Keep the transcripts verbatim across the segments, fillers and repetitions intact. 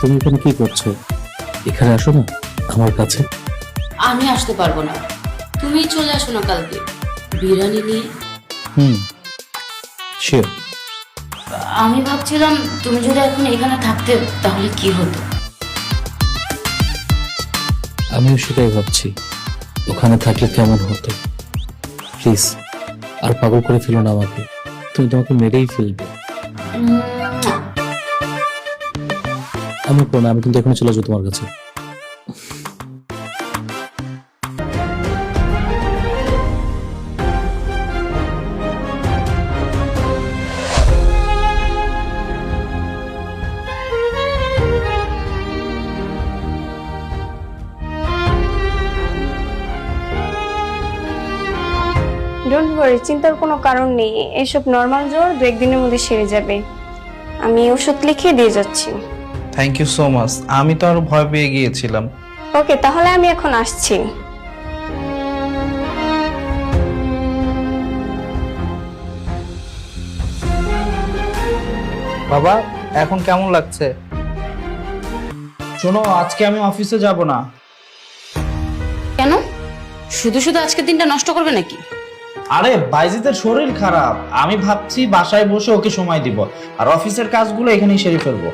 তুমি এখানে কি করছো? এখানে আসো না আমার কাছে। আমি আসতে পারবো না, তুমি চলে আসো না কালকে বিরিয়ানি নিয়ে। Hmm, sure. আমি ভাবছিলাম তুমি যদি এখন এখানে থাকতে তাহলে কি হতো। আমিও সেটাই ভাবছি, ওখানে থাকলে কেমন হতো। প্লিজ আর পাগল করে ফেলো না আমাকে, তুমি তোমাকে মেরেই ফেলবে। উম, আমি করো না, আমি কিন্তু এখনই চলে যাবো তোমার কাছে। ডোন্ট ওয়ারি, চিন্তার কোনো কারণ নেই। এসব নর্মাল জ্বর দু একদিনের মধ্যে সেরে যাবে। আমি ওষুধ লিখে দিয়ে যাচ্ছি। Thank you so much. আমি তো আরো ভয় পেয়ে গিয়েছিলাম। ওকে, তাহলে আমি এখন আসছি। বাবা, এখন কেমন লাগছে? শোনো, আজকে আমি অফিসে যাব না। কেন? শুধু শুধু আজকের দিনটা নষ্ট করবে নাকি? আরে বাইজিতের শরীর খারাপ, আমি ভাবছি বাসায় বসে ওকে সময় দিব, আর অফিসের কাজগুলো এখানেই সেরে ফেলবো।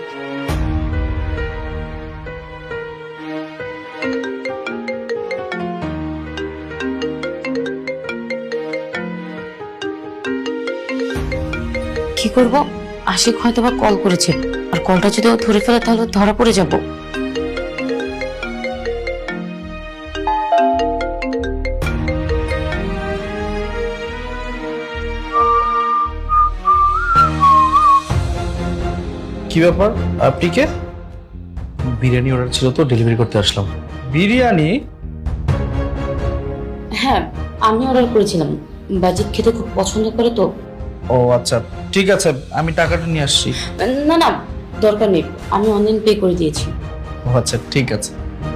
কি করব? আশিক হয়তো বা কল করেছে, আর কলটা যদি ও ধরে ফেলে তাহলে ধরা পড়ে যাব। কি ব্যাপার, আপনি কে? বিরিয়ানি অর্ডার ছিল তো, ডেলিভারি করতে আসলাম। বিরিয়ানি? হ্যাঁ, আমি অর্ডার করেছিলাম। বাজিত খেতে খুব পছন্দ করে তো। ও আচ্ছা, ঠিক আছে, আমি টাকাটা নিয়ে আসছি। না না, দরকার নেই, আমি অনলাইন পে করে দিয়েছি। ও আচ্ছা, ঠিক আছে।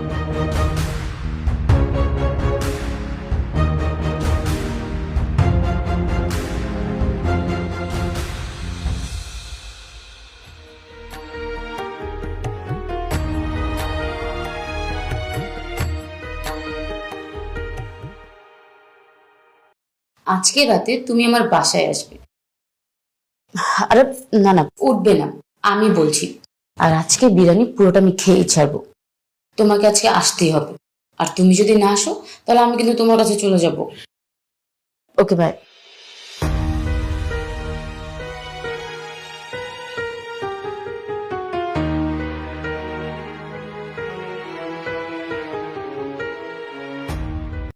আজকে রাতে তুমি আমার বাসায় আসবে। আরে না না, উঠবে না, আমি বলছি। আর আজকে বিরিয়ানি পুরোটা আমি খেয়েই ছাড়বো। তোমাকে আজকে আসতেই হবে, আর তুমি যদি না আসো তাহলে আমি কিন্তু তোমার কাছে চলে যাব। Okay by.